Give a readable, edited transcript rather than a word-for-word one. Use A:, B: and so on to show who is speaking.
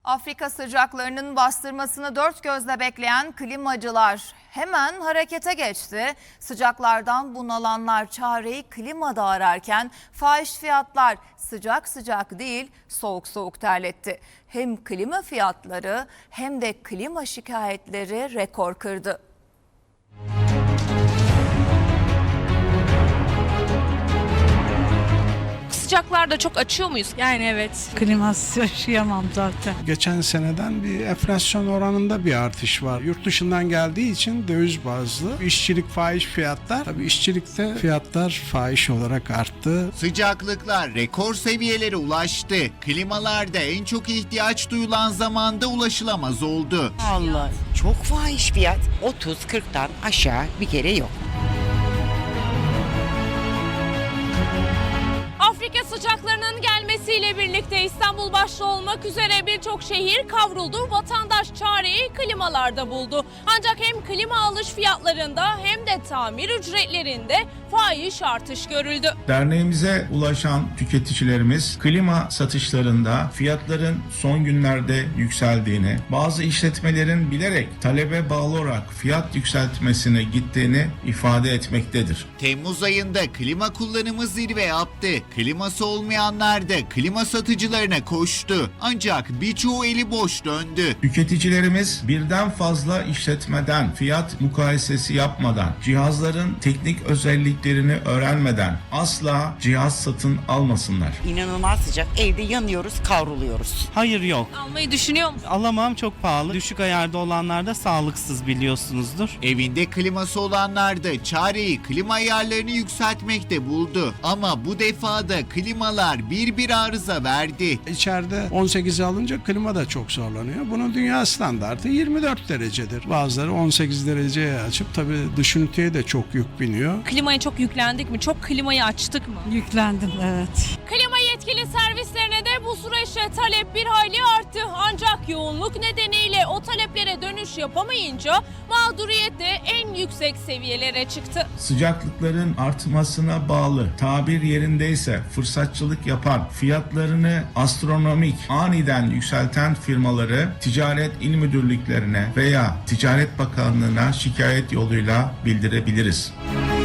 A: Afrika sıcaklarının bastırmasını dört gözle bekleyen klimacılar hemen harekete geçti. Sıcaklardan bunalanlar çareyi klimada ararken fahiş fiyatlar sıcak sıcak değil soğuk soğuk terletti. Hem klima fiyatları hem de klima şikayetleri rekor kırdı.
B: Sıcaklarda çok açıyor muyuz?
C: Yani evet.
D: Klimasız yaşayamam zaten.
E: Geçen seneden bir enflasyon oranında bir artış var. Yurt dışından geldiği için döviz bazlı. İşçilik fahiş fiyatlar. Tabii işçilikte fiyatlar fahiş olarak arttı.
F: Sıcaklıklar rekor seviyelere ulaştı. Klimalarda en çok ihtiyaç duyulan zamanda ulaşılamaz oldu.
G: Allah çok fahiş fiyat. 30-40'tan aşağı bir kere yok.
B: Afrika sıcaklarının gelmesiyle birlikte İstanbul başta olmak üzere birçok şehir kavruldu. Vatandaş çareyi klimalarda buldu. Ancak hem klima alış fiyatlarında hem de tamir ücretlerinde fahiş artış görüldü.
H: Derneğimize ulaşan tüketicilerimiz klima satışlarında fiyatların son günlerde yükseldiğini, bazı işletmelerin bilerek talebe bağlı olarak fiyat yükseltmesine gittiğini ifade etmektedir.
F: Temmuz ayında klima kullanımı zirve yaptı. Kliması olmayanlar da klima satıcılarına koştu. Ancak birçoğu eli boş döndü.
H: Tüketicilerimiz birden fazla işletmeden fiyat mukayesesi yapmadan, cihazların teknik özelliklerini öğrenmeden asla cihaz satın almasınlar.
G: İnanılmaz sıcak. Evde yanıyoruz, kavruluyoruz.
C: Hayır yok.
B: Almayı düşünüyor musun?
C: Alamam, çok pahalı. Düşük ayarda olanlar da sağlıksız biliyorsunuzdur.
F: Evinde kliması olanlar da çareyi klima ayarlarını yükseltmekte buldu. Ama bu defa da klimalar bir arıza verdi.
E: İçeride 18'e alınca klima da çok zorlanıyor. Bunun dünya standartı 24 derecedir. Bazıları 18 dereceye açıp tabii dış üniteye de çok yük biniyor.
B: Klimaya çok yüklendik mi? Çok klimayı açtık mı?
D: Yüklendim, evet.
B: Klima yetkili servislerine de bu süreçte talep bir hayli arttı. Ancak yoğunluk nedeniyle o taleplere dönüş yapamayınca mağduriyet de en yüksek seviyelere çıktı.
H: Sıcaklıkların artmasına bağlı, tabir yerindeyse fırsatçılık yapan, fiyatlarını astronomik, aniden yükselten firmaları Ticaret İl Müdürlüklerine veya Ticaret Bakanlığı'na şikayet yoluyla bildirebiliriz.